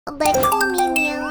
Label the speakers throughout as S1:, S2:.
S1: เด็กผู้มีเมียว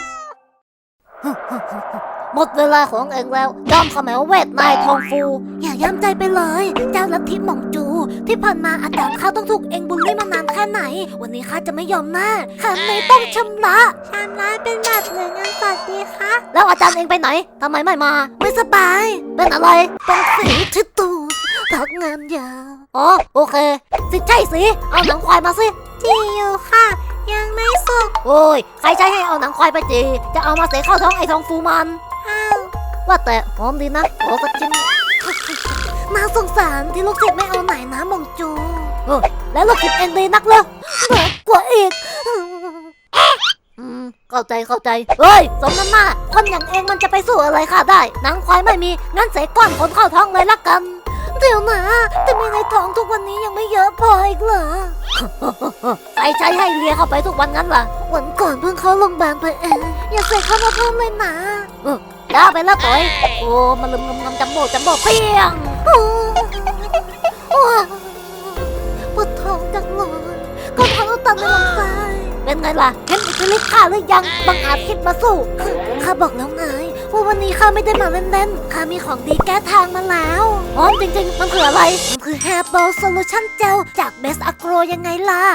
S1: หมดเวลาของเองแล้วยอมเขมวเวทนายทองฟูอย่าย้ำใจไปเลยเจ้าลัทธิหม่องจูที่ผ่านมาอาจารย์ข้าต้องถูกเองบูลลี่มานานแค่ไหนวันนี้ข้าจะไม่ยอมแน่ข้าไม่ต้องชำระเป็นแบบหรือเงินสดดีคะแล้วอาจารย์เองไปไหนทำไมไม่มาไม่สบายเป็นอะไรเป็นสีที่ตูพักงานยาวอ๋อโอเคสิใช่สิเอาหนังควายมาสิจีอยู่ค่ะยังไม่สุกโอ้ยใครใช้ให้เอาหนังควายไปจีจะเอามาเสกเข้าท้องไอ้ทองฟูมันว่าแต่หอมดีนะขอสักชิ้นน่าสงสารที่ลูกศิษย์ไม่เอาไหนนะมงจูแล้วลูกศิษย์เองดีนักเลยเหนือกว่าอีกเข้าใจเฮ้ยสมน้ำหน้าคนอย่างเองมันจะไปสู้อะไรข้าได้หนังควายไม่มีงั้นเสกก้อนขนเข้าท้องเลยละกันเดี๋ยวนะแต่มีในท้องทุกวันนี้ยังไม่เยอะพออีกเหรอใช้ให้เลียเข้าไปทุกวันงั้นล่ะวันก่อนเพิ่งเข้าโรงพยาบาลไปเองอย่าใส่เข้ามาเพิ่มเลยนะได้ไปแล้วต่อยโอ้มันลืมงำจำโบเปี้ยงปวดท้องจังเลยก็ท้องตันในลำไส้เป็นไงล่ะเห็นอิทธิฤทธิ์ข้าหรือยังบังอาจคิดมาสู้ข้าบอกแล้วไงว่าวันนี้ข้าไม่ได้มาเล่นๆข้ามีของดีแก้ทางมาแล้วอ๋อจริงๆมันคืออะไรมันคือ Herbal Solution Gel จาก Best Agro ยังไงล่ะ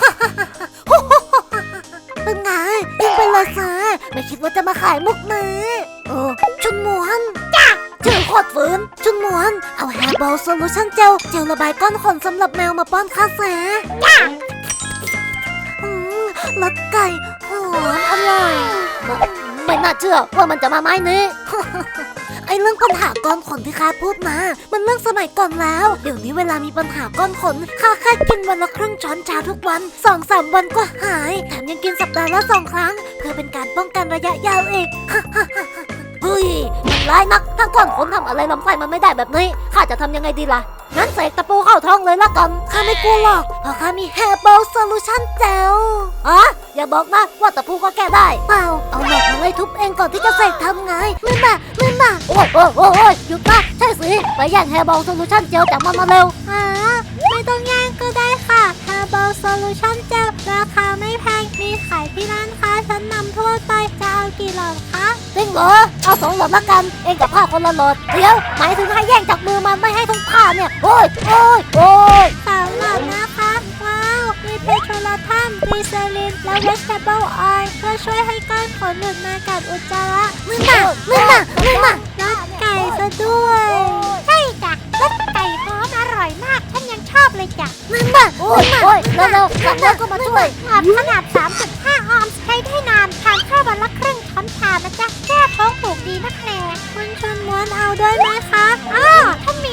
S1: เป็นไงยิงไปเลยซะไม่คิดว่าจะมาขายมุกนี้ชุนหมวนจ้าชื่อโคตรฝืนชุนหมวนเอา Herbal Solution Gel เจลระบายก้อนขนสำหรับแมวมาป้อนข้าแสจ้ารสไก่หอมอร่อยไม่น่าเชื่อว่ามันจะมาไม้นี้ ไอเรื่องปัญหาก้อนขนที่ข้าพูดมามันเรื่องสมัยก่อนแล้วเดี๋ยวนี้เวลามีปัญหาก้อนขนข้าแค่กินวันละครึ่งช้อนชาทุกวัน 2-3 วันก็หายแถมยังกินสัปดาห์ละ2 ครั้งเพื่อเป็นการป้องกันระยะยาวอีก เฮ้ยมันร้ายนักถ้าก้อนขนทำอะไรลำไส้มันไม่ได้แบบนี้ข้าจะทำยังไงดีล่ะงั้นเสกตะปูเข้าท้องเลยละกันข้าไม่กลัวหรอกเพราะข้ามี Herbal Solution Gel อย่าบอกนะว่าตะปูก็แก้ได้เปล่าเอาหลอดมาไล่ทุบเองก่อนที่จะเสกทำไงไม่มาโอ้ยหยุดนะใช่สิไปแย่ง Herbal Solution Gel จากมันมาเร็วไม่ต้องแย่งก็ได้ค่ะ Herbal Solution Gel ราคาไม่แพงมีขายที่ร้านค้าชั้นนำทั่วไปจะเอากี่หลอดคะจริงเหรอเอา2 หลอดละกันเองกับผ้าคนละหลอดเดี๋ยวหมายถึงให้แย่งจากมือมันไม่ให้ทั้งผ้าเนี่ยโอ้ย3 หลอดนะคะว้าวมีเพโทรลาทัมกลีเซอรินและเวสเทเบิลออยล์เพื่อช่วยให้ก้อนขนหลุดมากับอุจจาระมึงมารสไก่ซะด้วยใช่จ้ะรสไก่หอมอร่อยมากฉันยังชอบเลยจ้ะมึงมาโอ้ยเร็วๆสั่งแล้วก็มาช่วยขนาด 3.5 ออนซ์ใช้ได้นานทานข้าววันละครึ่งช้อนชานะจ๊ะแก้ท้องผูกดีนักแหล่คุณชวนม้วนเอาด้วยไหมคะฉันมี